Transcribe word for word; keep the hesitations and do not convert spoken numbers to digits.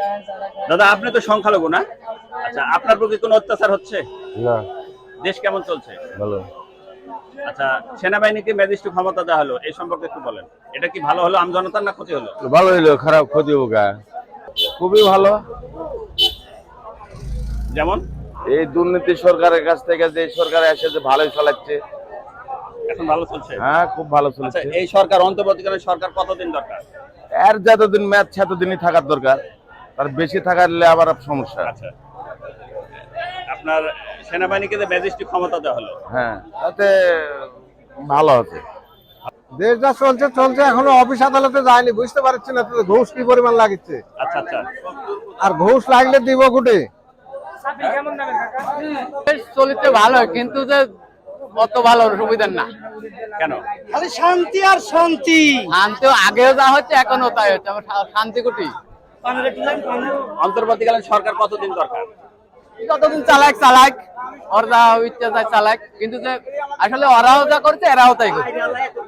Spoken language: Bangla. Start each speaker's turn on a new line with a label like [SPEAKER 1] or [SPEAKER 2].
[SPEAKER 1] দাদা আপনি তো সংখ্যালঘু না? আচ্ছা, আপনার প্রতি কোনো অত্যাচার হচ্ছে
[SPEAKER 2] না?
[SPEAKER 1] দেশ কেমন চলছে?
[SPEAKER 2] ভালো।
[SPEAKER 1] আচ্ছা, সেনাবাহিনীকে ম্যাজিস্ট্রেট ক্ষমতা দেওয়া হলো, এই সম্পর্কে একটু বলেন। এটা কি ভালো হলো আমজনতার না ক্ষতি হলো?
[SPEAKER 2] ভালো হইলো, খারাপ ক্ষতি হোক। খুবই ভালো।
[SPEAKER 1] যেমন
[SPEAKER 2] এই দুর্নীতি সরকারের কাছ থেকে যে সরকার এসে যে ভালোই চালাচ্ছে,
[SPEAKER 1] এখন ভালো চলছে।
[SPEAKER 2] হ্যাঁ খুব ভালো
[SPEAKER 1] আচ্ছা,
[SPEAKER 2] চলছে।
[SPEAKER 1] এই সরকার অন্তর্বর্তীকালীন সরকার কতদিন দরকার?
[SPEAKER 2] এর যতদিন ম্যাচ সেতদিনই থাকার দরকার, তার বেশি থাকারলে আবার সমস্যা।
[SPEAKER 1] আচ্ছা, আপনার সেনাবাহিনীকে যে ম্যাজিস্ট্রেট ক্ষমতা দেওয়া হলো,
[SPEAKER 2] হ্যাঁ তাতে ভালো হচ্ছে।
[SPEAKER 3] দেশ যা চলছে চলছে, এখনো অফিস আদালতে যায়নি, বুঝতে পারছি না তো ঘুষ কি পরিমাণ লাগিচ্ছে।
[SPEAKER 1] আচ্ছা আচ্ছা,
[SPEAKER 3] আর ঘুষ লাগলে দিব কুটে।
[SPEAKER 4] চলিতে ভালো, কিন্তু যে অত ভালো সুবিধা না।
[SPEAKER 1] কেন?
[SPEAKER 5] খালি শান্তি আর শান্তি।
[SPEAKER 4] শান্তি আগেও যা হচ্ছে এখনো তাই হচ্ছে, আমার শান্তি কুটি।
[SPEAKER 1] অন্তর্বর্তীকালীন সরকার কতদিন দরকার?
[SPEAKER 4] যতদিন চালাক চালাক, ওর যা ইচ্ছা যায় চালাক, কিন্তু যে আসলে ওরাও যা করছে এরাও তাই করছে।